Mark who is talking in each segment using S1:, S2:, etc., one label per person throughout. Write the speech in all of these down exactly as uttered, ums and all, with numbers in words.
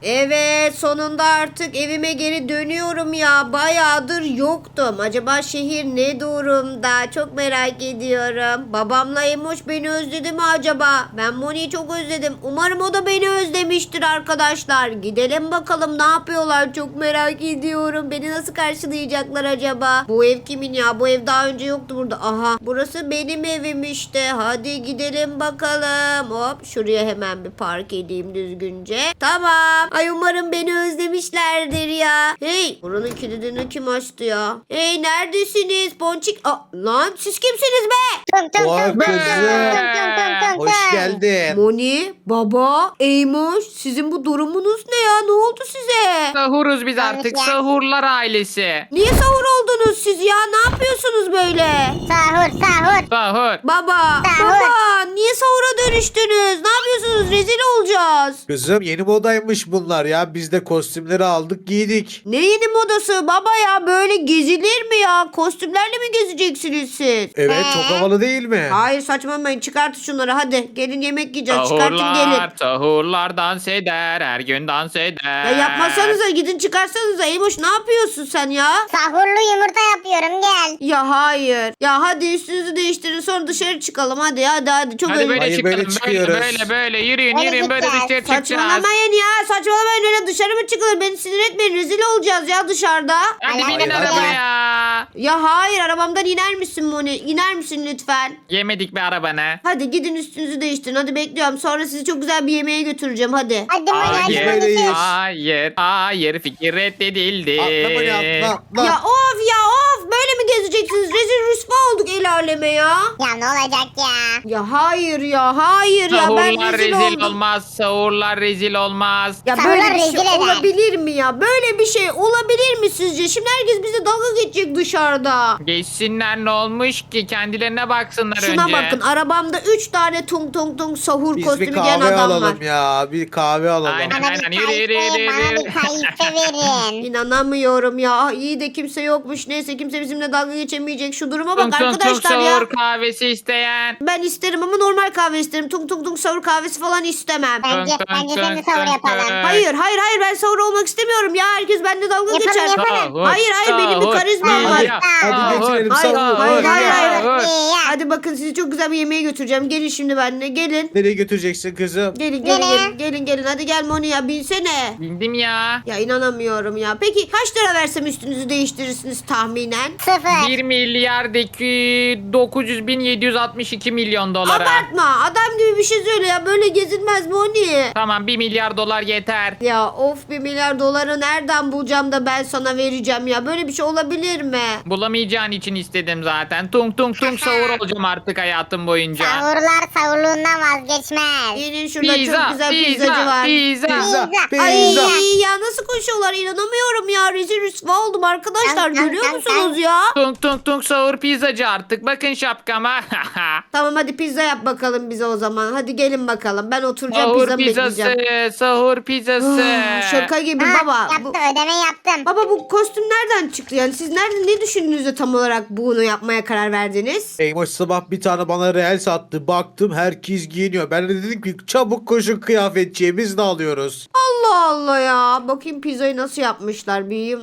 S1: Evet, sonunda artık evime geri dönüyorum ya. Bayağıdır yoktum. Acaba şehir ne durumda? Çok merak ediyorum. Babamla Emoş beni özledi mi acaba? Ben Moni'yi çok özledim. Umarım o da beni özlemiştir arkadaşlar. Gidelim bakalım ne yapıyorlar. Çok merak ediyorum. Beni nasıl karşılayacaklar acaba? Bu ev kimin ya? Bu ev daha önce yoktu burada. Aha, burası benim evim işte. Hadi gidelim bakalım. Hop, şuraya hemen bir park edeyim düzgünce. Tamam. Ay, umarım beni özlemişlerdir ya. Hey, buranın kilidini kim açtı ya? Hey, neredesiniz? Ponçik. Aa, lan siz kimsiniz be?
S2: Tum tum
S3: Vay
S2: tum tum
S3: kızım.
S2: tum tum tum tum
S3: Hoş
S2: tum.
S3: geldin.
S1: Moni, baba, Eymoş, sizin bu durumunuz ne ya? Ne oldu size?
S4: Sahuruz biz
S2: Yanlış
S4: artık.
S2: ya.
S4: Sahurlar ailesi.
S1: Niye sahur oldunuz siz ya? Ne yapıyorsunuz böyle?
S2: Sahur sahur.
S4: Sahur.
S1: Baba,
S2: Sahur.
S1: baba, niye sahura dönüştünüz? Ne yapıyorsunuz? Rezil olacağız.
S3: Kızım yeni modaymış bunlar ya. Biz de kostümleri aldık giydik.
S1: Ne yeni modası baba ya? Böyle gezilir mi ya? Kostümlerle mi gezeceksiniz siz?
S3: Evet
S2: Ee?
S3: çok havalı değil mi?
S1: Hayır, saçmalamayın. Çıkartın şunları hadi. Gelin yemek yiyeceğiz. Çıkartın gelin.
S4: Sahurlar, sahurlar dans eder. Her gün dans eder.
S1: Ya yapmasanıza, gidin çıkarsanıza. Eymoş, ne yapıyorsun sen ya?
S2: Sahurlu yumurta yapıyorum gel.
S1: Ya hayır. Ya hadi üstünüzü değiştirin, sonra dışarı çıkalım. Hadi hadi hadi. Çok
S4: Hadi
S1: öyle.
S4: böyle
S3: Hayır,
S4: çıkalım.
S3: böyle
S4: Böyle
S3: çıkıyoruz.
S4: böyle böyle. Yürüyün
S2: Böyle
S4: yürüyün böyle
S2: gideceğiz.
S4: dışarı çıkacağız.
S1: Saçmalamayın ya. Saçmalamayın, öyle dışarı mı çıkılır? Beni sinir etmeyin. Rezil olacağız ya dışarıda.
S4: Hadi
S2: Hayır,
S4: binin
S3: hayır.
S4: arabaya.
S1: Ya hayır, arabamdan iner misin Moni? İner misin lütfen?
S4: Yemedik bir arabanı.
S1: Hadi gidin üstünüzü değiştirin. Hadi bekliyorum. Sonra sizi çok güzel bir yemeğe götüreceğim. Hadi.
S2: Hadi Moni hadi
S4: Hayır,
S2: Moni.
S3: Böyleyiz.
S4: hayır, hayır. Fikir reddedildi.
S3: Atla beni atla atla.
S1: Ya of ya of. Böyle mi gezeceksiniz? Rezil rüsva olduk el aleme ya.
S2: Ya ne olacak ya?
S1: Ya hayır ya. Hayır ya. Ben
S4: Sahurlar
S1: rezil,
S4: rezil
S1: oldum.
S4: olmaz. Sahurlar rezil olmaz.
S1: Ya
S2: Sahurlar
S1: böyle bir
S2: rezil
S1: şey
S2: eder.
S1: olabilir mi ya? Böyle bir şey olabilir mi sizce? Şimdi herkes bize dalga geçecek dışarıda.
S4: Geçsinler ne olmuş ki? Kendilerine baksınlar
S1: Şuna
S4: önce.
S1: bakın, arabamda üç tane tung tung tung sahur
S3: Biz
S1: kostümü
S3: bir
S1: giyen
S3: kahve
S1: adam var.
S3: alalım ya. Bir kahve alalım.
S4: Aynen.
S2: Bana bir
S4: Aynen, yürü, yürü,
S2: kayfe,
S4: yürü,
S2: bana
S4: yürü.
S2: bir kayfe verin.
S1: İnanamıyorum ya. Ah, iyi de kimse yokmuş. Neyse, kimse bizimle dalga geçemeyecek. Şu duruma bak
S4: Tung tung tung
S1: arkadaşlar ya.
S4: sahur kahvesi isteyen.
S1: Ben isterim ama normal kahve isterim. Tung tung tung sahur kahvesi falan istemem.
S2: Bence,
S4: Tung tung
S2: bence seni
S4: tung
S2: sahur
S4: tung
S2: yapalım.
S4: tung.
S1: Hayır hayır hayır, ben sahur olmak istemiyorum ya. Herkes bende dalga
S2: Yapalım,
S1: geçer.
S2: yapalım.
S4: Sahur,
S1: Hayır hayır, benim bir
S4: sahur,
S1: karizmam var.
S4: ya,
S3: Hadi
S4: sahur,
S3: götürelim,
S1: Hayır,
S3: sahur.
S1: hayır, hayır, hayır.
S4: sahur.
S2: Ya.
S1: Hadi bakın, sizi çok güzel bir yemeğe götüreceğim. Gelin şimdi benimle, gelin.
S3: Nereye götüreceksin kızım?
S1: Gelin gelin
S2: Nereye?
S1: gelin gelin gelin. Hadi gel Moni ya, binsene.
S4: Bildim ya.
S1: Ya inanamıyorum ya. Peki kaç lira versem üstünüzü değiştirirsiniz tahminen?
S2: Sıfır.
S4: bir milyardaki dokuz yüz bin yedi yüz altmış iki milyon dolara.
S1: Abartma. Adam gibi bir şey söyle ya. Böyle gezilmez Moni.
S4: Tamam bir milyar dolar yeter.
S1: Ya of, bir milyar doları nereden bulacağım da ben sana vereceğim ya. Böyle bir şey olabilir mi?
S4: Bulamayacağın için istedim zaten. Tung tung tung sahur olacağım artık hayatım boyunca.
S2: Sahurlar sahurluğundan vazgeçmez.
S1: Gelin, şurada
S4: Pizza,
S1: çok güzel
S4: pizza,
S1: pizzacı var.
S4: pizza.
S3: Pizza,
S2: Pizza.
S1: Ay
S3: pizza.
S1: ya, nasıl koşuyorlar, inanamıyorum ya. Rezil rüsva oldum arkadaşlar.
S2: Tam, tam,
S1: Görüyor
S2: tam,
S1: musunuz
S2: tam.
S1: ya?
S4: Tung tung tung sahur pizzacı artık. Bakın şapkama.
S1: Tamam, hadi pizza yap bakalım bize o zaman. Hadi gelin bakalım. Ben oturacağım,
S4: Sahur
S1: pizzamı bekleyeceğim.
S4: pizzası. Sahur pizzası.
S1: Ah, şaka gibi
S2: Ha,
S1: baba.
S2: yaptım
S1: Bu,
S2: ödeme yaptım.
S1: baba bu kostüm nereden çıktı yani? Siz nerede, ne düşündünüz de tam olarak bunu yapmaya karar verdiniz?
S3: Eymoş sabah bir tane bana reel sattı. Baktım herkes giyiniyor. Ben de dedim ki çabuk koşun kıyafetçiye biz de alıyoruz.
S1: Allah Allah ya. Bakayım pizzayı nasıl yapmışlar. Bir...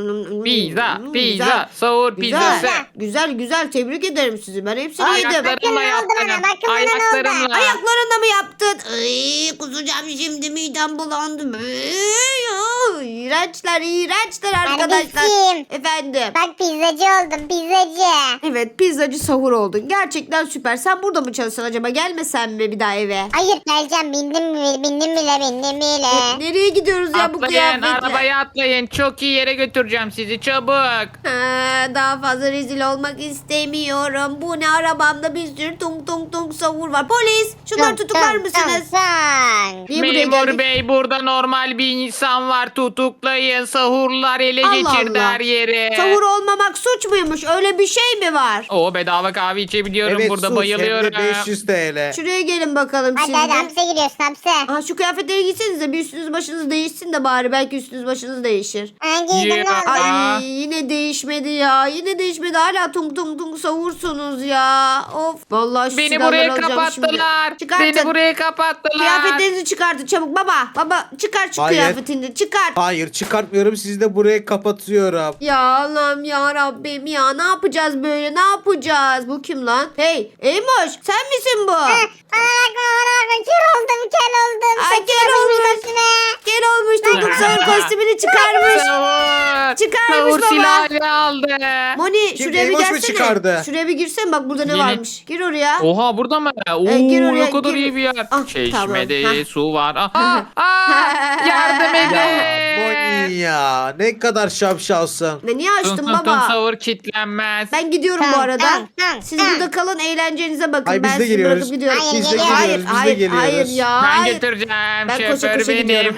S4: Pizza,
S1: Hmm,
S4: pizza,
S1: güzel.
S4: sahur
S1: Güzel.
S4: pizzası.
S1: Güzel güzel, tebrik ederim sizi. Ben hepsini yedim.
S4: Ayaklarımla
S2: ne oldu bana?
S4: yaptım.
S2: Bakın bana ne oldu?
S4: Ayaklarımla.
S1: Ayaklarında mı yaptın? Ay, kusacağım şimdi, midem bulandı. Ay, ay, İğrençler, iğrençler arkadaşlar.
S2: Kardeşim.
S1: Efendim.
S2: Bak pizzacı oldum pizzacı.
S1: Evet, pizzacı sahur oldun. Gerçekten süper. Sen burada mı çalışsan acaba? Gelmesen mi bir daha eve?
S2: Hayır geleceğim bindim bile bindim bile bindim bile.
S1: Nereye gidiyoruz ya bu
S4: Atlayın,
S1: kıyafetle?
S4: arabaya atlayın. Çok iyi yere götüreceğim sizi. Çabuk.
S1: Ha, daha fazla rezil olmak istemiyorum. Bu ne, arabamda bir sürü tung tung tung sahur var. Polis, şunları tutuklar mısınız?
S2: Sen.
S1: Niye buraya
S4: Memur
S1: geldik?
S4: bey burada normal bir insan var. Tutuklayın. Zıplayın sahurlar ele
S1: Allah
S4: geçirdi
S1: Allah.
S4: her yeri.
S1: Sahur olmamak suç muymuş? Öyle bir şey mi var?
S4: O bedava kahve içebiliyorum
S3: Evet
S4: burada
S3: sus,
S4: bayılıyorum.
S3: hem de beş yüz T L.
S1: Şuraya gelin bakalım
S2: Hadi
S1: şimdi.
S2: hadi hapse giriyorsun hapse.
S1: Aha, şu kıyafetleri giysenize bir üstünüz başınız değişsin de bari belki üstünüz başınız değişir.
S2: Ha, giydim ne
S4: Ya.
S2: oldu?
S4: Aa.
S1: Ay yine değişmedi ya. Yine değişmedi. Hala tung tung tung savursunuz ya. Of. Vallahi şu
S4: Beni
S1: silahları
S4: buraya
S1: alacağım
S4: kapattılar.
S1: şimdi. Çıkartın.
S4: Beni buraya kapattılar.
S1: Kıyafetlerinizi çıkartın çabuk baba. Baba çıkart şu
S3: Hayır.
S1: kıyafetini. Çıkart.
S3: Hayır çıkartmıyorum, sizi de buraya kapatıyorum.
S1: Ya Allah'ım ya Rabbim ya. Ne yapacağız böyle? Ne yapacağız? Bu kim lan? Hey Eymoş sen misin bu?
S2: Bana bakma bana bakma kör oldum kör oldum.
S1: Ay,
S2: Saçı
S1: kör
S2: yapışmış
S1: olmuş.
S2: üstüme.
S1: Gel olmuş tung tung savur kostümünü çıkarmış.
S4: Savur.
S1: Çıkarmış
S4: Savur
S1: baba.
S4: silahını aldı.
S1: Moni
S3: Kim,
S1: şuraya bir
S3: Eymoş mu
S1: gelsene.
S3: çıkardı?
S1: Şuraya bir girsen bak burada ne
S4: Yeni-
S1: varmış. Gir oraya.
S4: Oha burada mı? Oo,
S1: E, gir oraya,
S4: ne kadar
S1: gir.
S4: iyi bir yer.
S1: Ah,
S4: Çeşmede
S1: tamam. Hah.
S4: su var. Aha, aa, yardım
S3: Ya
S4: edin.
S3: Moni ya, ne kadar şapşalsın.
S1: Ne niye
S4: Tum
S1: açtın
S4: tum tum
S1: baba?
S4: savur kilitlenmez.
S1: Ben gidiyorum bu
S2: Tamam,
S1: arada.
S2: tamam, tamam,
S1: Siz
S2: tamam.
S1: burada kalın eğlencenize bakın.
S3: Ay,
S1: ben
S3: biz de
S1: sizi
S3: geliyoruz.
S1: bırakıp gidiyorum.
S2: Hayır,
S3: Biz de
S2: geliyoruz.
S1: hayır,
S3: geliyoruz, biz de
S1: hayır,
S3: geliyoruz.
S1: hayır ya.
S4: Ben
S1: hayır.
S4: götüreceğim.
S1: Ben koşa
S4: Şoför
S1: koşa
S4: benim.
S1: gidiyorum.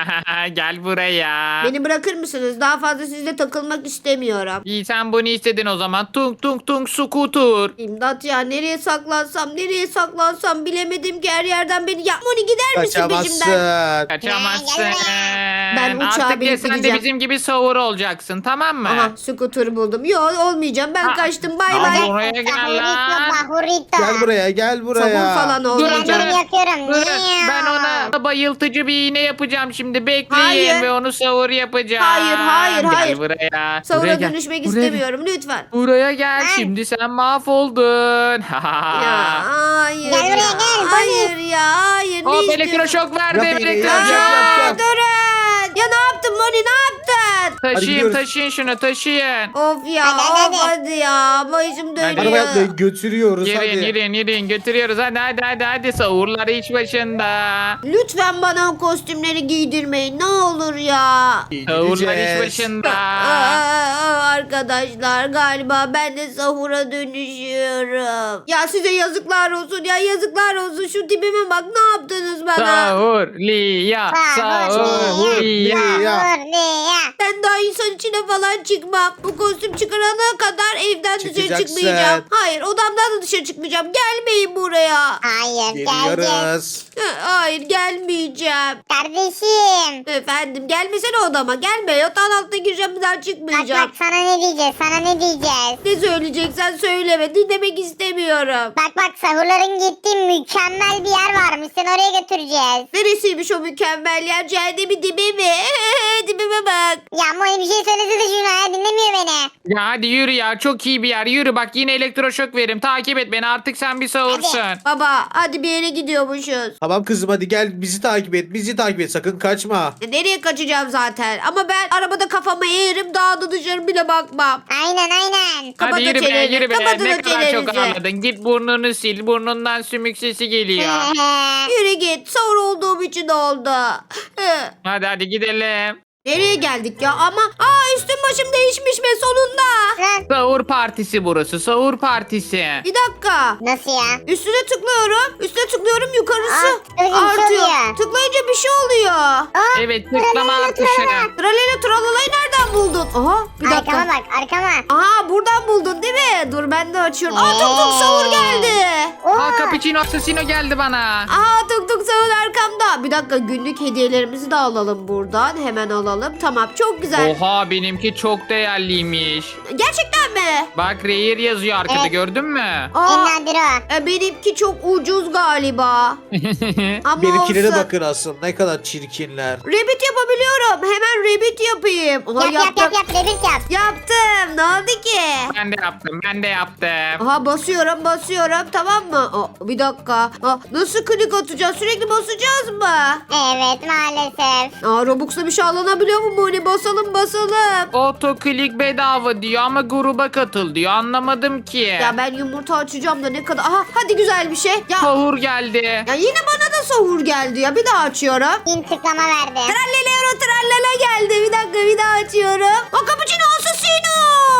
S4: Gel buraya.
S1: Beni bırakır mısınız? Daha fazla sizle takılmak istemiyorum.
S4: İyi sen bunu istedin o zaman. Tung tung tung skutur.
S1: İmdat ya nereye saklansam nereye saklansam bilemedim ki her yerden beni. Ya Moni gider misin peşimden?
S3: Kaçamazsın.
S4: Kaçamazsın.
S1: Ben uçağa
S4: Artık
S1: binip
S4: de sen de
S1: gideceğim.
S4: bizim gibi savur olacaksın tamam mı?
S1: Aha skuter buldum. Yok olmayacağım ben
S4: Ha,
S1: kaçtım bay
S4: ama
S1: bay.
S4: oraya gel
S2: Bahurito
S4: lan.
S2: bahurito.
S3: Gel buraya, gel buraya.
S1: Sabun falan
S4: Durun
S2: Ben
S1: olmayacağım.
S2: bunu yapıyorum.
S4: Durun.
S2: Niye?
S4: Ben ona bayıltıcı bir iğne yapacağım şimdi. Bekleyin
S1: Hayır.
S4: ve onu savur yapacağım.
S1: Hayır, hayır,
S4: Gel
S1: hayır.
S4: buraya. Buraya
S1: Savura
S4: gel.
S1: dönüşmek
S4: Buraya gel.
S1: istemiyorum lütfen.
S4: Buraya gel.
S2: Ay.
S4: Şimdi sen mahvoldun.
S1: Ya hayır
S2: Gel buraya,
S1: ya.
S2: gel,
S1: Hayır ya hayır.
S4: Hop
S1: Ne istiyorsun?
S4: elektroşok verdim.
S3: Yap, yap,
S4: Elektroşok.
S3: yap,
S1: Aa,
S3: yap.
S1: durun. Ya ne yaptın Moni ne yaptın?
S4: Taşıyın
S3: gidiyoruz.
S4: taşıyın şunu taşıyın.
S1: Of ya
S2: Hadi, hadi,
S1: of
S2: hadi.
S1: hadi ya. Başım dönüyor.
S3: Arabaya atlayın, götürüyoruz
S4: Yürüyün
S3: hadi.
S4: yürüyün yürüyün götürüyoruz. Hadi hadi hadi hadi savurlar iş başında.
S1: Lütfen bana o kostümleri giydirmeyin ne olur ya.
S4: Savurlar iş
S3: Gideceğiz.
S4: başında.
S1: Aa, arkadaşlar galiba ben de sahura dönüşüyorum. Ya size yazıklar olsun ya yazıklar olsun şu tipime bak ne yaptınız bana.
S4: Savur Liya.
S2: Savur,
S4: Savur Liya.
S3: Ya.
S2: Bahurliya.
S1: Ben daha insan içine falan çıkmam. Bu kostüm çıkarana kadar evden dışarı
S3: Çıkacaksın.
S1: çıkmayacağım. Hayır odamdan da dışarı çıkmayacağım. Gelmeyin buraya.
S2: Hayır geleceğiz.
S3: Geliyoruz.
S1: Hayır gelmeyeceğim.
S2: Kardeşim.
S1: Efendim gelmesene odama gelme yatağın altına gireceğim bir daha
S2: Bak
S1: çıkmayacağım.
S2: bak sana ne diyeceğiz sana ne diyeceğiz.
S1: Ne söyleyeceksen söyleme dinlemek istemiyorum.
S2: Bak bak sahurların gittiği mükemmel bir yer varmış. Seni oraya götüreceğiz.
S1: Neresiymiş o mükemmel yer cehennemin dibi mi? Dibime bak.
S2: Ya Moni bir şey söylesene şuna ya dinlemiyor beni.
S4: Ya hadi yürü ya çok iyi bir yer yürü bak yine elektroşok veririm takip et beni artık sen bir savursun.
S1: Baba hadi bir yere gidiyormuşuz.
S3: Tamam kızım hadi gel, bizi takip et, bizi takip et, sakın kaçma.
S1: E, Nereye kaçacağım zaten? Ama ben arabada kafamı eğerim daha da dışarı bile bakmam.
S2: Aynen aynen.
S1: Kapatın
S4: Hadi yürü be
S1: çeneni,
S4: yürü be
S1: kapatın
S4: ne
S1: o
S4: kadar çok
S1: çenenizi.
S4: ağladın git burnunu sil burnundan sümük sesi geliyor.
S1: Yürü git sahur olduğum için oldu.
S4: Hadi hadi gidelim.
S1: Nereye geldik ya? Ama aa üstüm başım değişmiş be sonunda.
S2: Lan,
S4: Sahur partisi burası sahur partisi.
S1: Bir dakika.
S2: nasıl ya?
S1: Üstüne tıklıyorum. Üstüne tıklıyorum yukarısı
S2: Aa, öyle bir şey
S1: artıyor.
S2: oluyor.
S1: Tıklayınca bir şey oluyor.
S2: Aa,
S4: Evet tıklama
S2: tralala,
S4: artışı.
S2: tralala.
S1: Tralala tralalayı nereden buldun? Aha bir dakika.
S2: Arkama bak arkama.
S1: Aha buradan buldun değil mi? Dur ben de açıyorum. Aa tuk tuk
S2: Ee.
S1: sahur geldi.
S2: Oo.
S4: Aa cappuccino assassino geldi bana.
S1: Aa tuk tuk sahur arkamda. Bir dakika günlük hediyelerimizi de alalım buradan. Hemen alalım. Tamam çok güzel.
S4: Oha benimki çok değerliymiş.
S1: Gerçekten mi?
S4: Bak Rare yazıyor arkada
S2: Evet.
S4: gördün mü?
S2: En
S1: Aa,
S2: nadir o.
S1: e, benimki çok ucuz galiba. Ama
S3: Benimkilere
S1: olsun.
S3: bakın asıl, ne kadar çirkinler.
S1: Rabbit yapabiliyorum. Hemen rabbit yapayım. Aha,
S2: Yap yap
S1: yaptım.
S2: yap yap rebit yap.
S1: Yaptım. Ne oldu ki?
S4: ben de yaptım ben de yaptım.
S1: Aha basıyorum basıyorum tamam mı? Aa, bir dakika. Aa, nasıl klik atacağız? Sürekli basacağız mı?
S2: Evet maalesef.
S1: Aa, Robux'la bir şey alınabiliyor mu Moni? Basalım basalım.
S4: Otoklik bedava diyor ama gruba katıl diyor anlamadım ki.
S1: Ya ben yumurta açacağım da ne kadar... Aha hadi güzel bir şey. Ya,
S4: Sahur geldi.
S1: ya yine bana da sahur geldi ya. Bir daha açıyorum.
S2: Bin tıklama verdim.
S1: Trallelero trallala geldi. Bir dakika bir daha açıyorum. O cappuccino assassino.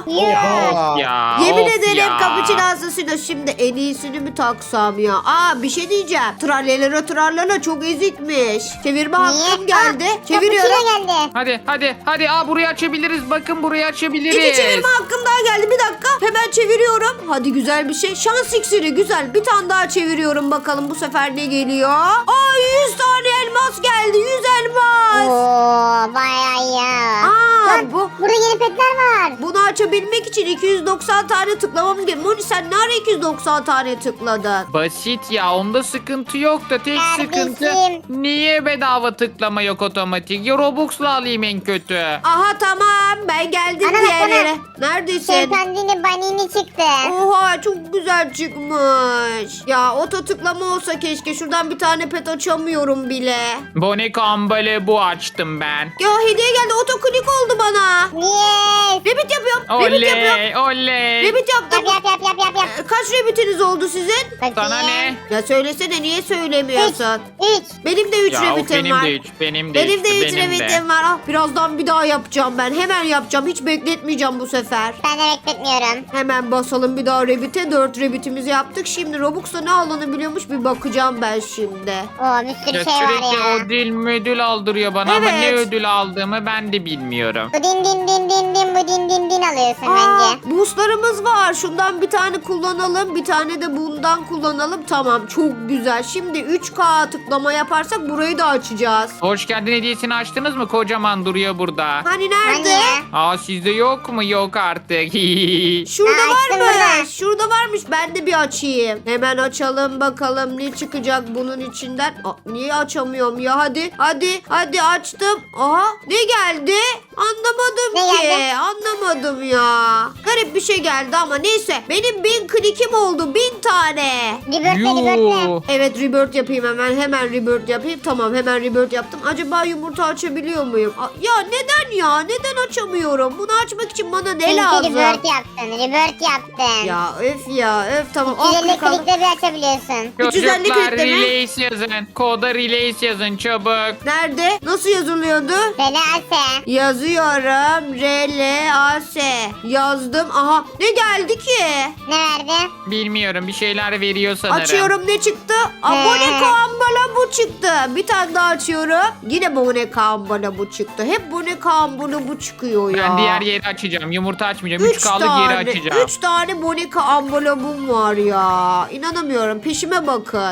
S2: Yuh.
S4: Ya,
S1: Yemin
S4: of
S1: ederim
S4: ya.
S1: cappuccino hastasıyla şimdi en iyisini mi taksam ya? Aa bir şey diyeceğim. Trallelere trallala çok ezikmiş. Çevirme hakkım geldi.
S2: Aa,
S1: Çeviriyorum.
S2: cappuccino geldi.
S4: Hadi hadi hadi aa burayı açabiliriz. Bakın burayı açabiliriz.
S1: İki çevirme hakkım daha geldi. Bir dakika. Hemen çeviriyorum. Hadi güzel bir şey. Şans iksiri güzel. Bir tane daha çeviriyorum bakalım bu sefer ne geliyor. Aa yüz tane elmas geldi. yüz elmas.
S2: Oo bayağı iyi. ya.
S1: Aa
S2: Lan,
S1: bu
S2: burada yeni petler var.
S1: bunu açabilmek için iki yüz doksan tane tıklamam gerekiyor. Moni sen ne ara iki yüz doksan tane tıkladın?
S4: Basit ya, onda sıkıntı yok da tek
S2: Kardeşim.
S4: sıkıntı niye bedava tıklama yok otomatik? Ya Robux'la alayım en kötü.
S1: Aha tamam ben geldim
S2: Ana bak,
S1: diğer
S2: ana.
S1: yere. Neredesin?
S2: Şempanzini banini çıktı.
S1: Oha çok güzel çıkmış. Ya oto tıklama olsa keşke. Şuradan bir tane pet açamıyorum bile.
S4: Bonek ambale bu açtım ben.
S1: Ya hediye geldi otoklik oldu bana.
S2: Yes.
S1: Rabbit yapıyorum. Rabbit yapıyorum.
S4: Oley oley.
S1: Rabbit yaptım.
S2: Yap yap yap yap yap. yap.
S1: Ee, Kaç rabbitiniz oldu sizin?
S2: Bakayım.
S4: Sana ne?
S1: Ya söylesene niye söylemiyorsun?
S2: Üç.
S1: Benim de üç
S4: Ya of,
S1: rabbitim
S4: benim
S1: var.
S4: de üç, benim de
S1: Benim
S4: üç,
S1: de üç
S4: benim de.
S1: rabbitim var. Ah, birazdan bir daha yapacağım ben. Hemen yapacağım. Hiç bekletmeyeceğim bu sefer.
S2: Ben de bekletmiyorum.
S1: Hemen basalım bir daha rabbit'e. dört rabbitimizi yaptık. Şimdi Robux'ta ne alınabiliyormuş bir bakacağım ben şimdi.
S2: Oo bir sürü
S4: Ya
S2: şey var
S4: sürekli
S2: ya.
S4: ödül müdül aldırıyor bana ama ne
S1: Evet.
S4: ödül aldığımı ben de bilmiyorum.
S2: Bu din din din din din bu din din din alıyorsun
S1: Aa,
S2: bence.
S1: boostlarımız var. Şundan bir tane kullanalım. Bir tane de bundan kullanalım. Tamam çok güzel. Şimdi üç K tıklama yaparsak burayı da açacağız.
S4: Hoş geldin hediyesini açtınız mı? Kocaman duruyor burada.
S1: Hani nerede?
S2: Hani?
S4: Aa sizde yok mu? Yok artık.
S1: Şurada
S2: Aa, açtım
S1: varmış.
S2: burada.
S1: Şurada varmış. Ben de bir açayım. Hemen açalım bakalım ne çıkacak bunun içinden. Aa, niye açamıyorum ya? Hadi. Hadi. Hadi açtım. Aha. Ne geldi? Anlamadım
S2: Ne
S1: ki.
S2: geldi?
S1: Anlamadım ya. Garip bir şey geldi ama neyse. Benim bin klikim oldu. Bin tane.
S2: Rebirth'le rebirth'le.
S4: Yuh.
S1: Evet rebirth yapayım hemen. Hemen rebirth yapayım. Tamam hemen rebirth yaptım. Acaba yumurta açabiliyor muyum? Aa, ya neden ya? Neden açamıyorum? Bunu açmak için bana ne
S2: Çünkü
S1: lazım?
S2: rebirth yaptın. Rebirth yaptın.
S1: Ya öf ya öf tamam. Al
S2: üç yüz elli
S1: klik al.
S2: klikle bir açabiliyorsun.
S1: üç yüz elli
S4: Çocuklar
S1: kliple mi?
S4: release yazın. Koda release yazın çabuk.
S1: Nerede? Nasıl yazılıyordu?
S2: Relase.
S1: Yazıyorum. R L A S. Yazdım. Aha. Ne geldi ki?
S2: Ne verdi?
S4: Bilmiyorum, bir şeyler veriyor sanırım.
S1: Açıyorum ne çıktı? Abone kambala bu çıktı. Bir tane daha açıyorum. Yine abone kambala bu çıktı. Hep abone kambala bu çıkıyor ya.
S4: Ben diğer yeri açacağım. Yumurta açmayacağım. Üç
S1: Üç
S4: kaldık
S1: tane,
S4: yeri açacağım.
S1: Üç tane Bonika ambalabum var ya. İnanamıyorum. Peşime bakın.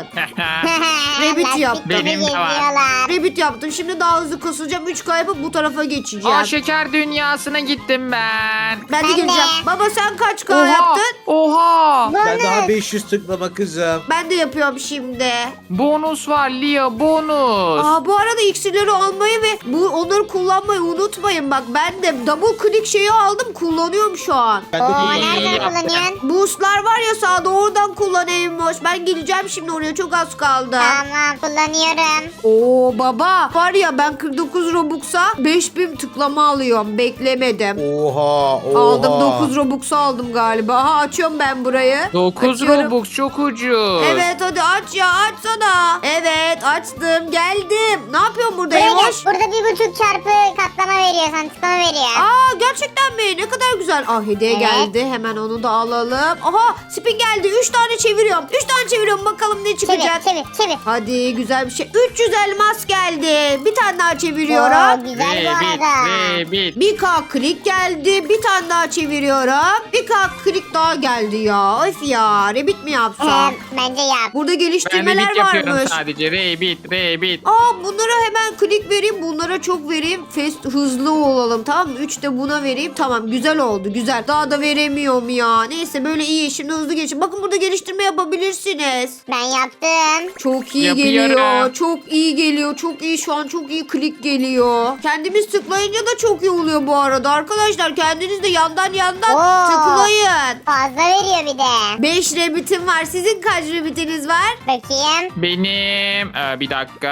S1: Rabbit yap.
S2: Lastik gibi
S4: Benim de var.
S2: geziyorlar.
S1: Rabbit yaptım. Şimdi daha hızlı kasılacağım. üç K yapıp bu tarafa geçeceğim.
S4: Aa şeker dünyasına gittim ben.
S1: Ben de
S2: Ben de.
S1: gireceğim. Baba sen kaç K
S4: Oha!
S1: yaptın?
S4: Oha!
S3: Ben daha beş yüz tıklama kızım.
S1: Ben de yapıyorum şimdi.
S4: Bonus var Lia, bonus.
S1: Aa bu arada iksirleri almayı ve bu onları kullanmayı unutmayın. Bak ben de double click şeyi aldım. Kullanıyorum şu an.
S3: Ben de
S2: Oo
S3: kullanıyorum.
S2: nereden
S4: yaptın.
S2: kullanıyorsun?
S1: Boostlar var ya sağda oradan kullanayım boş. Ben geleceğim şimdi oraya çok az kaldı.
S2: Tamam kullanıyorum.
S1: Oo baba var ya ben kırk dokuz Robux'a beş bin tıklama alıyorum. Beklemedim.
S3: Oha oha.
S1: Aldım dokuz Robux'u aldım galiba. Aha açıyorum ben burayı.
S4: dokuz
S1: Açıyorum.
S4: Robux çok ucuz.
S1: Evet hadi aç ya açsana. Evet açtım geldim. Ne yapıyorsun burada
S2: Buraya gel.
S1: Emoş?
S2: Burada bir buçuk çarpı katlama veriyor sana tıklama veriyor.
S1: Aa gerçekten mi? Ne kadar güzel. Ah hediye
S2: Evet.
S1: geldi. Hemen onu da alalım. Aha spin geldi. üç tane çeviriyorum. üç tane çeviriyorum bakalım ne çıkacak.
S2: Çevir çevir çevir.
S1: Hadi güzel bir şey. üç yüz elmas geldi. Bir tane daha
S2: Oo,
S1: çeviriyorum.
S2: güzel bu
S4: Rabbit,
S2: arada.
S4: Rabbit.
S1: bir K klik geldi. Bir tane daha çeviriyorum. bir K klik daha geldi ya. Öf ya. Rabbit mi yapsam?
S2: Ee, bence yap.
S1: Burada
S4: Ben
S1: geliştirmeler
S4: Rabbit yapıyorum
S1: varmış.
S4: sadece. Rabbit, Rabbit.
S1: Aa bunlara hemen klik vereyim. Bunlara çok vereyim. Fast hızlı olalım tamam mı? üç de buna vereyim. Tamam güzel oldu güzel. Daha da veremiyorum ya. Neyse böyle iyi. Şimdi hızlı geçin. Bakın burada geliştirme yapabilirsiniz.
S2: Ben yaptım.
S1: Çok iyi
S4: Yapıyorum.
S1: geliyor. Çok iyi geliyor. Çok iyi şu an çok iyi klik geliyor. Kendimiz tıklayınca da çok iyi oluyor bu arada. Arkadaşlar kendiniz de yandan yandan
S2: Oo.
S1: tıklayın.
S2: Fazla veriyor bir de.
S1: beş rabbitim var. Sizin kaç rabbitiniz var?
S2: Bakayım.
S4: Benim ee, bir dakika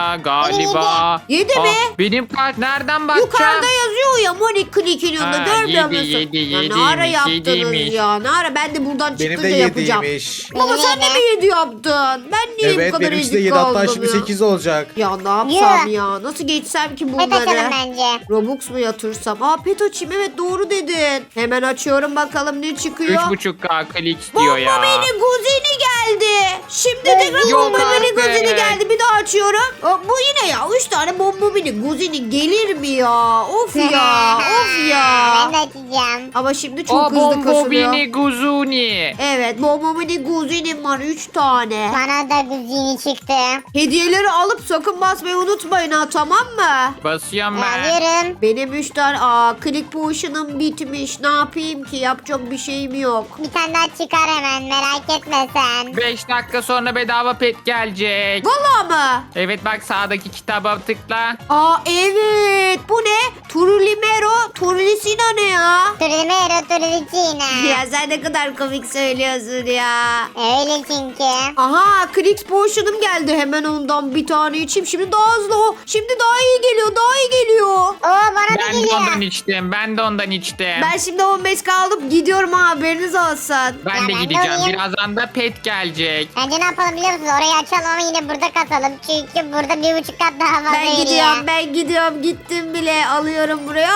S4: galiba.
S1: Yedi mi?
S4: Aa, benim kaç? Nereden bakacağım?
S1: Yukarıda yazıyor ya Monik Click'in yanında
S4: Ha,
S1: görmüyor
S4: yedi,
S1: musun?
S4: yedi,
S1: ya ne
S4: yediymiş,
S1: ara yaptınız
S4: yediymiş.
S1: ya? Ne ara ben de buradan
S3: Benim
S1: çıkınca
S3: de
S1: yapacağım.
S3: yediymiş.
S1: Baba
S2: Benim
S1: sen de
S2: yedi.
S1: mi yedi yaptın? Ben niye bu
S3: Evet
S1: kadar
S3: benimkisi de
S1: ezik
S3: yedi hatta
S1: kaldım
S3: şimdi
S1: ya?
S3: sekiz olacak.
S1: Ya ne yapsam ya? Nasıl geçsem ki
S2: Hadi açalım
S1: bunları?
S2: bence.
S1: Robux Robux mu yatırsam? Aa pet açayım, evet doğru dedin. Hemen açıyorum bakalım ne çıkıyor.
S4: üç buçuk K klik istiyor ya.
S1: Bombomini Guzini geldi. Şimdi tekrar
S4: Yok
S1: Bombomini
S4: artık.
S1: Guzini geldi. Bir daha açıyorum. Aa, bu yine ya. Üç tane Bombomini Guzini gelir mi ya? Of ya. Of ya.
S2: Ben de açacağım.
S1: Ama şimdi çok
S4: O
S1: hızlı
S4: bombo
S1: kasılıyor.
S4: bini guzuni.
S1: Evet, Bombomini Guzinim var üç tane.
S2: Bana da güzini çıktı.
S1: Hediyeleri alıp sakın basmayı unutmayın ha, tamam mı?
S4: Basıyorum ben.
S2: Alıyorum.
S1: Benim üç tane aa click potion'ım bitmiş. Ne yapayım ki? Yapacak bir şeyim yok.
S2: Bir tane daha çıkar hemen, merak etme sen.
S4: beş dakika sonra bedava pet gelecek.
S1: Vallahi mı?
S4: Evet bak sağdaki kitaba tıkla.
S1: Aa evet. Bu ne? Turulimero, Turulisina ne ya?
S2: Turilmero turulicina.
S1: Ya sen ne kadar komik söylüyorsun ya.
S2: Öyle çünkü.
S1: Aha Click Potion'ım geldi. Hemen ondan bir tane içeyim. Şimdi daha hızlı o. Şimdi daha iyi geliyor. Daha iyi geliyor.
S2: Oo bana da
S4: Ben de
S2: geliyor.
S4: ondan içtim. Ben de ondan içtim.
S1: Ben şimdi on beş kaldım. Gidiyorum ha, haberiniz olsun.
S4: Ben
S2: Ya
S4: de
S2: ben de
S4: gideceğim.
S2: alayım.
S4: Birazdan da pet gelecek.
S2: Bence ne yapalım biliyor musunuz? Orayı açalım ama yine burada kasalım. Çünkü burada bir buçuk kat daha fazla
S1: Ben
S2: veriyor.
S1: gidiyorum, ben gidiyorum. Gittim bile. Alıyorum burayı.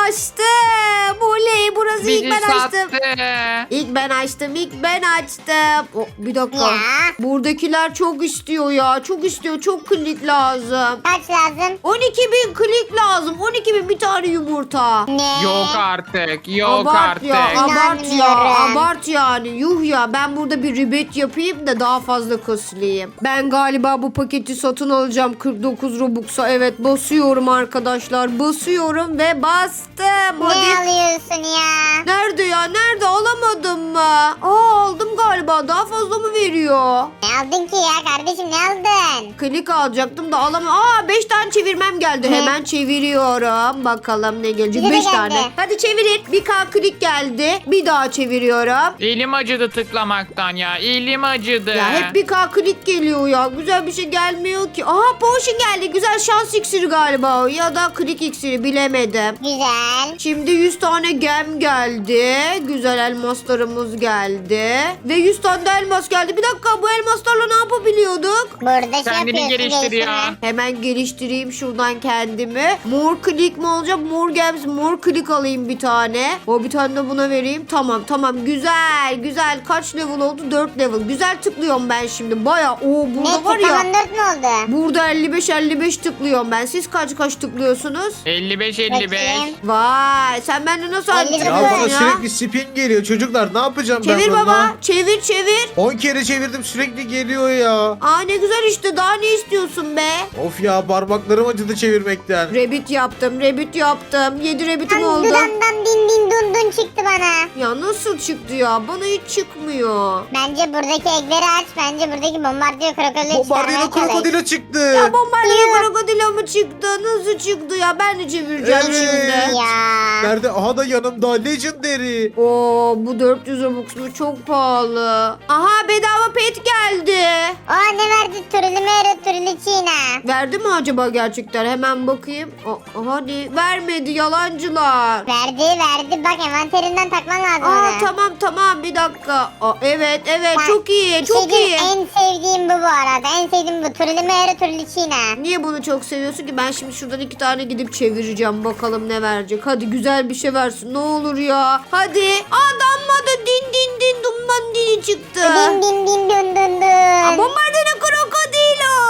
S1: Açtım. Oley, burası
S4: Bizi
S1: ilk ben
S4: sattı.
S1: açtım. İlk ben açtım, ilk ben açtım. Oh, bir dakika.
S2: Ya.
S1: Buradakiler çok istiyor ya. Çok istiyor, çok klik lazım.
S2: Kaç lazım?
S1: on iki bin klik lazım. on iki bin bir tane yumurta.
S2: Ne?
S4: Yok artık. Yok
S1: abart
S4: artık.
S1: ya, abart ya,
S2: İnanmıyorum.
S1: abart yani. Yuh ya, ben burada bir ribet yapayım da daha fazla kasılayım. Ben galiba bu paketi satın alacağım kırk dokuz Robux'a. Evet, basıyorum arkadaşlar. Basıyorum ve bastım.
S2: Ne
S1: Hadi.
S2: alıyorsun ya?
S1: Nerede ya? Nerede? Alamadım mı? Aa, aldım galiba. Daha fazla mı veriyor?
S2: Ne aldın ki ya kardeşim, ne aldın?
S1: Klik alacaktım da alamam. Aa, beş tane çevirmem geldi.
S2: Ne?
S1: Hemen çeviriyorum. Bakalım ne gelecek.
S2: Bize de
S1: beş
S2: geldi.
S1: tane. Hadi çevirin. Bir K klik geldi. Bir daha çeviriyorum.
S4: Elim acıdı tıklamaktan ya. Elim acıdı.
S1: Ya hep bir K klik geliyor ya. Güzel bir şey gelmiyor ki. Aha, potion geldi. Güzel şans iksiri galiba o. Ya da klik iksiri, bilemedim.
S2: Güzel.
S1: Şimdi yüz tane gem geldi. Güzel elmaslarımız geldi. Ve yüz tane de elmas geldi. Bir dakika, bu elmaslarla ne yapabiliyorduk?
S2: Burada şey
S4: Kendini
S2: yapıyorsun.
S4: geliştiriyor.
S2: geliştirme.
S1: Hemen geliştireyim şuradan kendimi. Mor klik mi olacak? Mor gems, mor klik alayım bir tane. O bir tane de buna vereyim. Tamam tamam, güzel güzel. Kaç level oldu? dört level. Güzel tıklıyorum ben şimdi. Baya o burada
S2: Ne
S1: var ya.
S2: tıklaman dört mü oldu?
S1: Burada elli beş elli beş tıklıyorum ben. Siz kaç kaç tıklıyorsunuz?
S4: elli beş elli beş.
S2: Bakayım.
S1: Vay, sen bende nasıl
S2: elli
S1: halledin
S2: beş
S3: Ya
S2: Tıklıyorum
S3: bana
S1: ya?
S3: sürekli spin geliyor çocuklar. Ne yapacağım ben
S1: Çevir
S3: bununla?
S1: baba. Çevir çevir.
S3: on kere çevirdim sürekli geliyor ya.
S1: Aa, ne güzel işte. Daha ne istiyorsun be?
S3: Of ya, parmaklarım acıdı çevirmekten.
S1: Rabbit yaptım. Rabbit yaptım. yedi rabbitim oldu.
S2: Dudamdan din din dun dun çıktı bana.
S1: Ya nasıl çıktı ya? Bana hiç çıkmıyor.
S2: Bence buradaki egleri aç. Bence buradaki bombardiyo krokodili
S3: Bombardino
S2: çıkarmaya çalış.
S3: krokodilo çıktı.
S1: Ya bombardiyo krokodilo mu çıktı? Nasıl çıktı ya? Ben de çevireceğim
S3: Evet.
S1: şimdi.
S2: Ya.
S3: Nerede? Aha da yanımda Legendary.
S1: Oo, bu dört yüz Robux mu? Çok pahalı. Aha, bedava pet geldi.
S2: Aa ne verdi? Turulimero turulicina.
S1: Verdi mi acaba gerçekten? Hemen bakayım. O, hadi vermedi, yalancılar.
S2: Verdi verdi. Bak envanterinden takman lazım
S1: Aa,
S2: onu.
S1: tamam tamam, bir dakika. Aa, evet evet,
S2: Bak,
S1: çok iyi
S2: bir
S1: çok
S2: şey diyeyim,
S1: iyi.
S2: En sevdiğim bu bu arada. En sevdiğim bu. Turulimero turulicina.
S1: Niye bunu çok seviyorsun ki? Ben şimdi şuradan iki tane gidip çevireceğim. Bakalım ne verecek. Hadi güzel bir şey versin. Ne olur ya. Hadi. Aa, damladı. Din din din dumman dini çıktı.
S2: Din din din dun dun
S1: Aa,
S2: dun.
S1: bombardino krokodilo.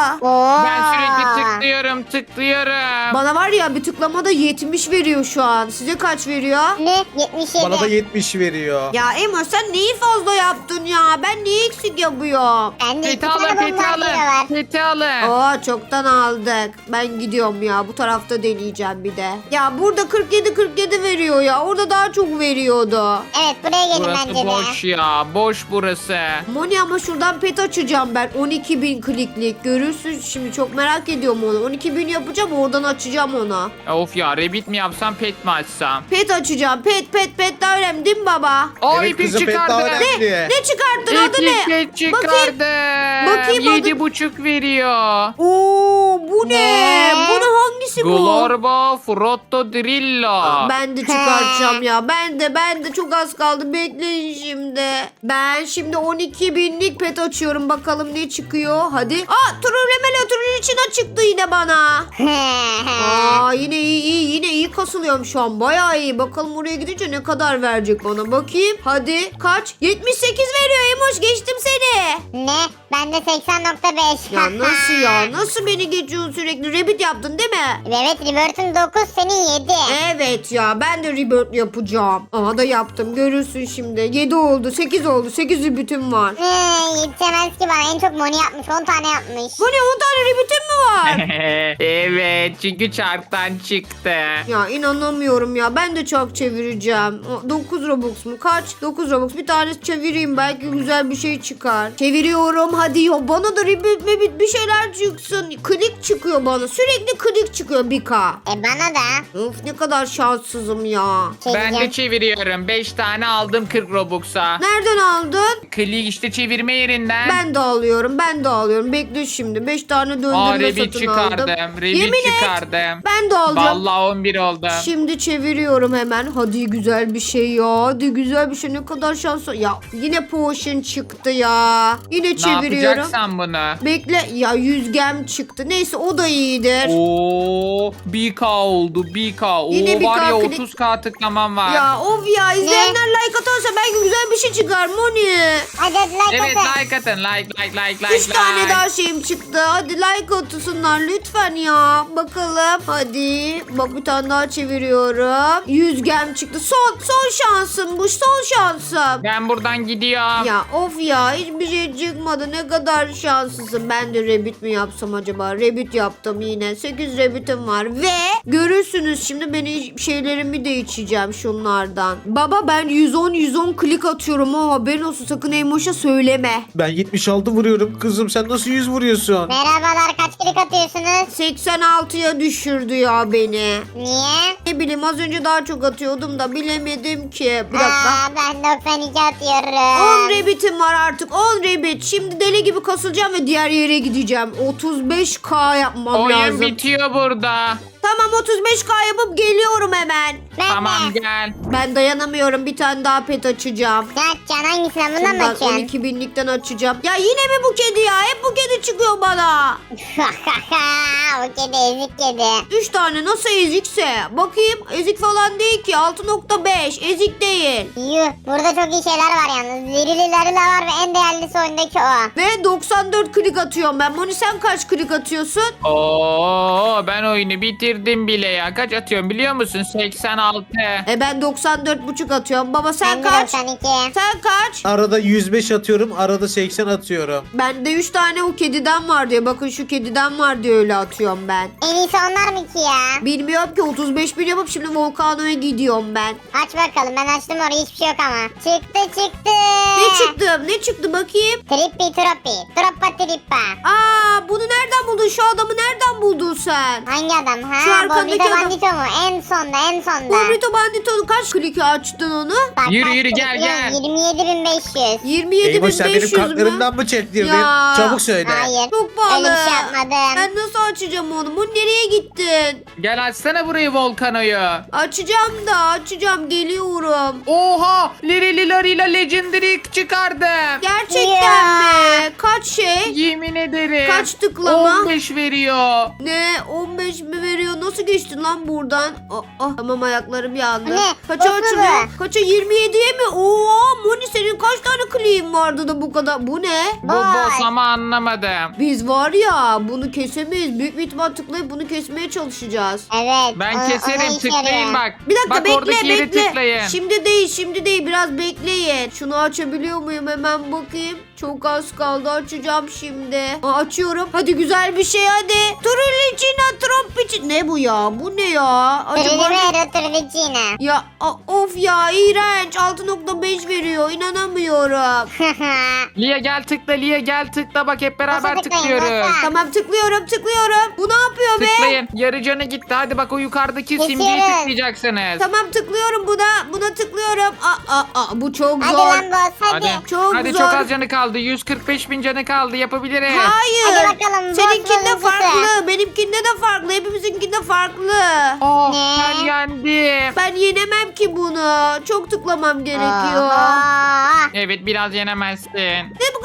S2: Oo.
S4: Ben sürekli tıklıyorum tıklıyorum.
S1: Bana var ya, bir tıklamada yetmiş veriyor şu an. Size kaç veriyor?
S2: Ne? yetmiş yedi.
S3: Bana da yetmiş veriyor.
S1: Ya Emo, sen neyi fazla yaptın ya? Ben neyi eksik yapıyorum?
S2: Bende iki
S4: Peti alın
S2: tane
S4: peti
S2: bombardiyo
S4: alın.
S2: var.
S4: Peti alın.
S1: Aa, çoktan aldık. Ben gidiyorum ya. Bu tarafta deneyeceğim bir de. Ya burada kırk yedi kırk yedi veriyor ya. Orada daha çok veriyordu.
S2: Evet buraya gelin
S4: Burası
S2: bence de.
S4: boş ya. Boş burası.
S1: Moni, ama şuradan pet açacağım ben. on iki bin kliklik. Görürsün şimdi, çok merak ediyorum onu. on iki bin yapacağım, oradan açacağım onu.
S4: Of ya rabbit mi yapsam pet mi açsam?
S1: Pet açacağım. Pet pet pet daha önemli değil mi baba?
S4: Aa
S3: Evet
S4: ipik
S3: kızım, pet daha
S4: çıkardı.
S3: önemli.
S1: Ne çıkarttın, adı
S4: İpik
S1: ne?
S4: pet çıkardı.
S1: Bakayım adı-
S4: Yedi buçuk veriyor.
S1: Oo, bu ne?
S2: Ne?
S1: Bu ne, hangisi bu?
S4: Glorbo Frotto Drillo.
S1: Ben de çıkartacağım ya. Ben de ben de çok az kaldı. Bekleyin şimdi. Ben şimdi on iki binlik pet açıyorum. Bakalım ne çıkıyor. Hadi. Aa, Trullemelo Trullicina çıktı yine bana. Aa, yine iyi iyi. Yine iyi iyi kasılıyorum şu an. Bayağı iyi. Bakalım oraya gidince ne kadar verecek bana. Bakayım. Hadi kaç? yetmiş sekiz veriyor Emoş. Geçtim seni.
S2: Ne? Ben de seksen nokta beş.
S1: Ya nasıl ya? Nasıl beni geçiyorsun sürekli? Rabbit yaptın değil mi?
S2: Evet, Rebirth'ın dokuz, senin yedi.
S1: Evet ya, ben de rebirth yapacağım. Aha da yaptım, görürsün şimdi. yedi oldu, sekiz oldu. sekiz rebirth'im var.
S2: Ee, yetişemez ki bana. En çok Moni yapmış. on tane yapmış.
S1: Bu ne, on tane rebirth'im mi var?
S4: Evet çünkü çarktan çıktı.
S1: Ya inanamıyorum ya, ben de çok çevireceğim. dokuz Robux mu? Kaç? dokuz Robux. Bir tane çevireyim, belki güzel bir şey çıkar. Çeviriyorum hadi ya, bana da rebirth mebit bir şeyler çıksın. Klik çıkıyor bana, sürekli klik çıkıyor bir K.
S2: E bana da.
S1: Of, ne kadar şanssızım ya.
S4: Ben de
S2: Çevireceğim.
S4: çeviriyorum. beş tane aldım kırk Robux'a.
S1: Nereden aldın?
S4: Klik işte çevirme yerinden.
S1: Ben de alıyorum, ben de alıyorum. Bekle şimdi. beş tane
S4: Aa,
S1: döndürme
S4: Revit
S1: satın
S4: çıkardım.
S1: aldım.
S4: Revit
S1: Yemin et.
S4: çıkardım.
S1: Ben de alacağım.
S4: Vallahi on bir oldu.
S1: Şimdi çeviriyorum hemen. Hadi güzel bir şey ya. Hadi güzel bir şey. Ne kadar şanslı. Ya yine potion çıktı ya. Yine
S4: Ne
S1: çeviriyorum.
S4: yapacaksan bunu?
S1: Bekle. Ya yüzgem çıktı. Neyse, o da iyidir.
S4: Oo, bir K oldu bir K. Oo,
S1: Yine bir
S4: var
S1: K
S4: ya
S1: klik-
S4: otuz K tıklamam var.
S1: Ya of ya, izleyenler like atarsa belki güzel bir şey çıkar Moni.
S2: Hadi hadi like
S4: Evet
S2: atın.
S4: like atın like like like like
S1: Üç tane
S4: like.
S1: daha şeyim çıktı. Hadi like atsınlar lütfen ya. Bakalım. Hadi. Bak, bir tane daha çeviriyorum. Yüzgem çıktı. Son son şansım bu. Son şansım.
S4: Ben buradan gidiyorum.
S1: Ya of ya, hiçbir şey çıkmadı. Ne kadar şanslısın. Ben de rabbit mi yapsam acaba? Rabbit yaptım yine. sekiz rabbitim var ve görürsünüz şimdi, beni şeylerimi de içeceğim şunlardan. Baba, ben yüz on yüz on klik atıyorum ama haberin olsun, sakın Emoş'a söyleme.
S3: Ben yetmiş altı vuruyorum. Kızım sen nasıl yüz vuruyorsun?
S2: Merhabalar, kaç klik atıyorsunuz?
S1: seksen altıya düşürdü ya beni.
S2: Niye?
S1: Ne bileyim, az önce daha çok atıyordum da bilemedim ki. Bir dakika.
S2: Aa, ben doksan iki atıyorum.
S1: on rabbitim var artık. on rabbit. Şimdi deli gibi kasılacağım ve diğer yere gideceğim. otuz beş K yapmam
S4: Oyun
S1: lazım.
S4: bitiyor burada.
S1: Tamam, otuz beş K yapıp geliyorum hemen.
S2: Ben
S4: Tamam
S2: de.
S4: gel.
S1: Ben dayanamıyorum. Bir tane daha pet açacağım.
S2: Ne açacaksın? Hangisinden? Bundan mı
S1: Şundan
S2: açıyorsun?
S1: on iki binlikten açacağım. Ya yine mi bu kedi ya? Hep bu kedi çıkıyor bana.
S2: O kedi ezik kedi.
S1: üç tane nasıl ezikse. Bakayım, ezik falan değil ki. altı nokta beş ezik değil.
S2: Yuh, burada çok iyi şeyler var yalnız. Zirilileri de var ve en değerlisi oyundaki o.
S1: Ve doksan dört klik atıyorum ben. Moni, sen kaç klik atıyorsun?
S4: Oo, ben oyunu bitirdim bile ya. Kaç atıyorum biliyor musun? seksen altı.
S1: E ben doksan dört buçuk atıyorum. Baba sen
S2: Ben de
S1: kaç?
S2: doksan iki.
S1: Sen kaç?
S3: Arada yüz beş atıyorum. Arada seksen atıyorum.
S1: Bende üç tane o kediden var diye. Bakın şu kediden var diye öyle atıyorum ben.
S2: En iyisi onlar mı ki ya?
S1: Bilmiyorum ki, otuz beş bin yapıp şimdi Volcano'ya gidiyorum ben.
S2: Aç bakalım, ben açtım orayı, hiçbir şey yok ama. Çıktı çıktı.
S1: Ne çıktı? Ne çıktı bakayım?
S2: Trippi troppi. Troppa trippa.
S1: Aa, bunu nereden buldun? Şu adamı nereden buldun sen?
S2: Hangi adam ha?
S1: Şu arkandaki
S2: Bobrito
S1: adam.
S2: Bandito mu? En sonda en sonda.
S1: Bobrito Bandito'nun kaç kliki açtın onu?
S2: Bak,
S4: Yürü,
S2: bak,
S4: yürü, gel,
S2: biliyorum,
S4: gel.
S2: yirmi yedi bin beş yüz.
S1: yirmi yedi bin
S3: Eymoş sen benim
S1: beş yüz mü?
S3: kartlarımdan mı çektirdin?
S1: Ya.
S3: Çabuk söyle.
S2: Hayır.
S1: Çok pahalı.
S2: Öyle bir şey yapmadım.
S1: Ben nasıl açacağım onu? Bu nereye gittin?
S4: Gel açsana burayı Volcano'yu.
S1: Açacağım da açacağım, geliyorum.
S4: Oha! Lirili Larila Legendary çıkardım.
S1: Gerçekten
S2: Ya.
S1: mi? Kaç şey?
S4: Yemin ederim.
S1: Kaç tıklama?
S4: on beş veriyor.
S1: Ne? on beş mi veriyor? Nasıl geçtin lan buradan? Ah, ah, tamam, ayaklarım yandı.
S2: Ne?
S1: Kaça
S2: Nasıl
S1: açılıyor?
S2: bu?
S1: Kaça? yirmi yediye mi? Oo, Moni senin kaç tane kliğin vardı da bu kadar? Bu ne?
S4: Bu
S2: Vay.
S4: boss ama anlamadım.
S1: Biz var ya, bunu kesemeyiz. Büyük bir ihtimal tıklayıp bunu kesmeye çalışacağız.
S2: Evet.
S4: Ben
S2: o- ona
S4: keserim
S2: işe
S4: tıklayın
S2: yarıyor.
S4: bak.
S1: Bir dakika,
S4: bak
S1: bekle
S4: oradaki yeri
S1: bekle.
S4: tıklayın.
S1: Şimdi değil, şimdi değil. Biraz bekleyin. Şunu açabiliyor muyum? Hemen bakayım. Çok az kaldı. Açacağım şimdi. Aa, açıyorum. Hadi güzel bir şey hadi. Trulicina Troppici. Ne bu ya? Bu ne ya? Acaba...
S2: Trilivero Trivicina.
S1: Ya a- of ya, iğrenç. altı nokta beş veriyor. İnanamıyorum.
S4: Lia gel tıkla Lia gel tıkla bak hep beraber
S2: Nasıl tıklayın,
S4: tıklıyoruz.
S2: nasıl?
S1: Tamam, tıklıyorum tıklıyorum. Bu ne yapıyor be?
S4: Tıklayın. Yarı canı gitti. Hadi bak o yukarıdaki simgeyi
S2: Geçiyoruz.
S4: tıklayacaksınız.
S1: Tamam, tıklıyorum buna. Buna tıklıyorum. Aa, aa, aa, bu çok
S2: Hadi
S1: zor.
S2: lan boss hadi.
S4: Hadi.
S1: Çok
S4: Hadi
S1: zor.
S4: çok az canı kaldı. yüz kırk beş bin canı kaldı. Yapabiliriz.
S1: Hayır.
S2: Hadi bakalım,
S1: Seninkinde
S2: boss bozuntusu.
S1: farklı. Benimkinde de farklı. Hepimizinkinde farklı.
S4: Oh
S2: Ne?
S4: ben yendim.
S1: Ben yenemem ki bunu. Çok tıklamam gerekiyor.
S2: Oha.
S4: Evet biraz yenemezsin.
S1: Ne bu, nasıl bu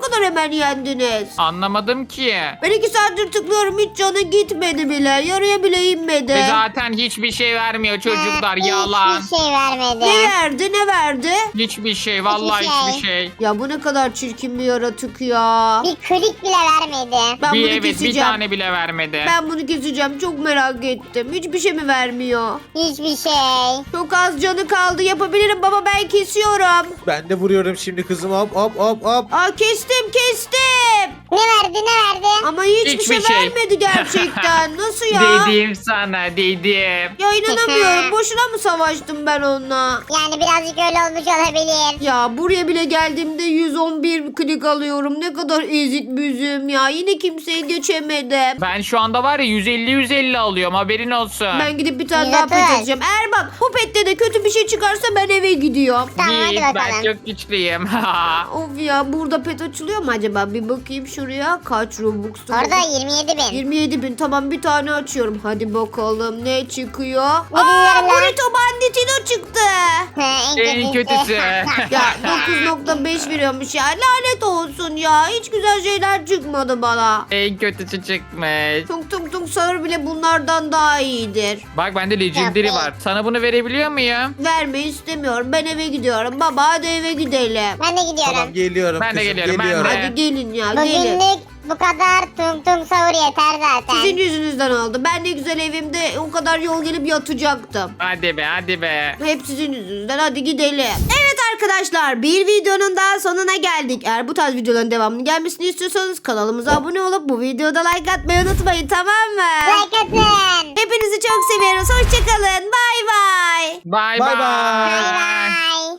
S1: kadar hemen yendiniz?
S4: Anlamadım ki.
S1: Ben iki saattir tıklıyorum hiç canı gitmedi bile. Yarıya bile inmedi.
S4: Ve zaten hiçbir şey vermiyor çocuklar.
S2: Ha,
S4: Yalan.
S2: Hiçbir şey vermedi.
S1: Ne verdi ne verdi?
S4: Hiçbir şey. Vallahi
S2: Hiçbir
S4: hiçbir şey.
S1: Ya bu ne kadar çirkin bir yaratık ya.
S2: Bir klik bile vermedi.
S1: Ben
S4: Bir
S1: bunu
S4: evet bir
S1: keseceğim.
S4: tane bile vermedi.
S1: Ben bunu keseceğim. Çok merak ettim. Hiçbir şey mi vermiyor?
S2: Hiçbir şey.
S1: Çok az canı kaldı. Yapabilirim baba ben kesiyorum.
S3: Ben de vuruyorum şimdi kızım. Hop hop hop hop.
S1: Aa kestim kestim.
S2: Ne verdi ne verdi?
S1: Ama hiçbir,
S4: Hiçbir
S1: şey,
S4: şey.
S1: vermedi gerçekten. Nasıl ya?
S4: Dedim sana dedim.
S1: Ya inanamıyorum. Boşuna mı savaştım ben onunla?
S2: Yani birazcık öyle olmuş olabilir.
S1: Ya buraya bile geldiğimde yüz on bir klik alıyorum. Ne kadar ezik büzüm ya. Yine kimseyi geçemedim.
S4: Ben şu anda var ya yüz elli yüz elli alıyorum haberin olsun.
S1: Ben gidip bir tane daha
S2: Güzel.
S1: pet açacağım. Eğer bak bu pette de kötü bir şey çıkarsa ben eve gidiyorum.
S2: Tamam hadi
S4: Git,
S2: bakalım.
S4: ben çok güçlüyüm.
S1: Of ya burada pet açılıyor mu acaba? Bir bakayım şuraya. Kaç Robux'tu?
S2: Orada yirmi yedi bin.
S1: yirmi yedi bin. Tamam bir tane açıyorum. Hadi bakalım ne çıkıyor? Aa
S2: bileyim lan.
S1: Burrito Banditino çıktı.
S4: En kötüsü.
S1: Ya dokuz nokta beş veriyormuş ya. Lanet olsun ya. Hiç güzel şeyler çıkmadı bana.
S4: En kötüsü çıkmış.
S1: Tung tung tung sağır bile bunlardan daha iyidir.
S4: Bak bende legendary
S2: Yapma.
S4: var. Sana bunu verebiliyor muyum?
S1: Vermeyi istemiyorum. Ben eve gidiyorum. Baba hadi eve gidelim.
S2: Ben de gidiyorum.
S3: Tamam geliyorum
S4: Ben de
S3: kızım
S4: geliyorum, ben de.
S3: geliyorum.
S1: Hadi gelin ya gelin.
S2: Bugünlük bu kadar tung tung sahur yeter zaten.
S1: Sizin yüzünüzden oldu. Ben ne güzel evimde o kadar yol gelip yatacaktım.
S4: Hadi be hadi be.
S1: Hep sizin yüzünüzden. Hadi gidelim. Evet arkadaşlar bir videonun daha sonuna geldik. Eğer bu tarz videoların devamını gelmesini istiyorsanız kanalımıza abone olup bu videoda like atmayı unutmayın tamam mı?
S2: Like atın.
S1: Hepinizi çok seviyoruz. Hoşçakalın. Bay bay.
S4: Bye
S3: Bye
S4: bye.
S3: bye.
S2: Bay bay.